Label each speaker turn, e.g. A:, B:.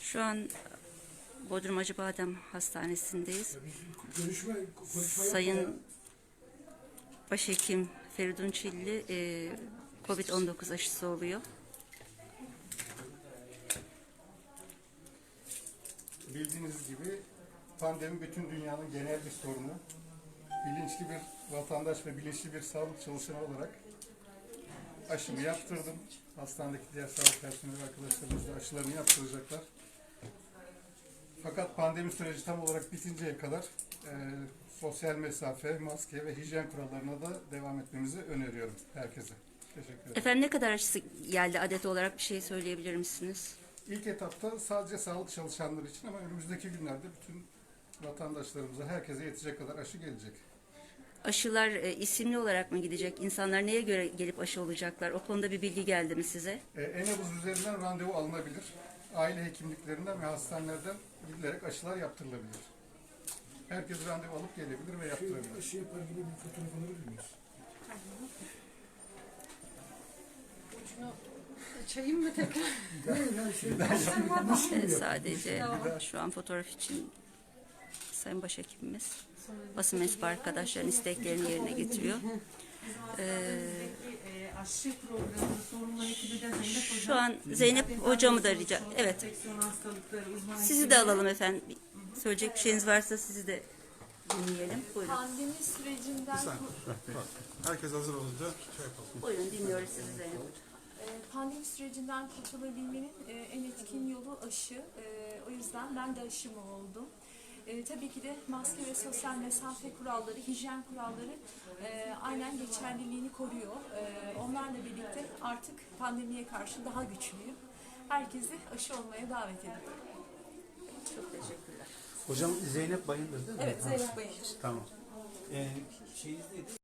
A: Şu an Bodrum Acıbadem Hastanesi'ndeyiz. Sayın Başhekim Feridun Çilli COVID-19 aşısı oluyor.
B: Bildiğiniz gibi pandemi bütün dünyanın genel bir sorunu. Bilinçli bir vatandaş ve bilinçli bir sağlık çalışanı olarak aşımı yaptırdım. Hastanedeki diğer sağlık personeli arkadaşlarımız da aşılarını yaptıracaklar. Fakat pandemi süreci tam olarak bitinceye kadar sosyal mesafe, maske ve hijyen kurallarına da devam etmemizi öneriyorum herkese. Teşekkür ederim.
A: Efendim ne kadar aşısı geldi adet olarak bir şey söyleyebilir misiniz?
B: İlk etapta sadece sağlık çalışanları için ama önümüzdeki günlerde bütün vatandaşlarımıza, herkese yetecek kadar aşı gelecek.
A: Aşılar isimli olarak mı gidecek? İnsanlar neye göre gelip aşı olacaklar? O konuda bir bilgi geldi mi size?
B: E-nabız üzerinden randevu alınabilir. Aile hekimliklerinden ve hastanelerden gidilerek aşılar yaptırılabilir. Herkes randevu alıp gelebilir ve yaptırabilir.
C: Aşı yapar gibi bir fotoğraf alabilir miyiz?
D: Şunu açayım mı tekrar?
A: Sadece şu an fotoğraf için Sayın Başhekimimiz basın mensubu arkadaşların isteklerini yerine getiriyor.
D: Aşı programı sorumlu ekibi de Zeynep Hocam.
A: Şu an Zeynep hocamı da rica... Evet.
D: Enfeksiyon hastalıkları uzmanı
A: Sizi
D: ekibi.
A: de alalım efendim. Söyleyecek bir şeyiniz varsa sizi de dinleyelim. Buyurun.
E: Pandemi sürecinden
F: Herkes hazır olunca şey yapalım.
A: Buyurun dinliyoruz sizi Zeynep Hocam.
E: pandemi sürecinden kurtulabilmenin en etkin yolu aşı. O yüzden ben de aşımı oldum. Tabii ki de maske ve sosyal mesafe kuralları, hijyen kuralları aynen geçerliliğini koruyor. Onlarla birlikte artık pandemiye karşı daha güçlüyüm. Herkesi aşı olmaya davet ediyorum.
A: Çok teşekkürler.
C: Hocam Zeynep Bayındır değil mi?
E: Evet, Zeynep Bayındır.
C: Tamam. Şeyizdeydi,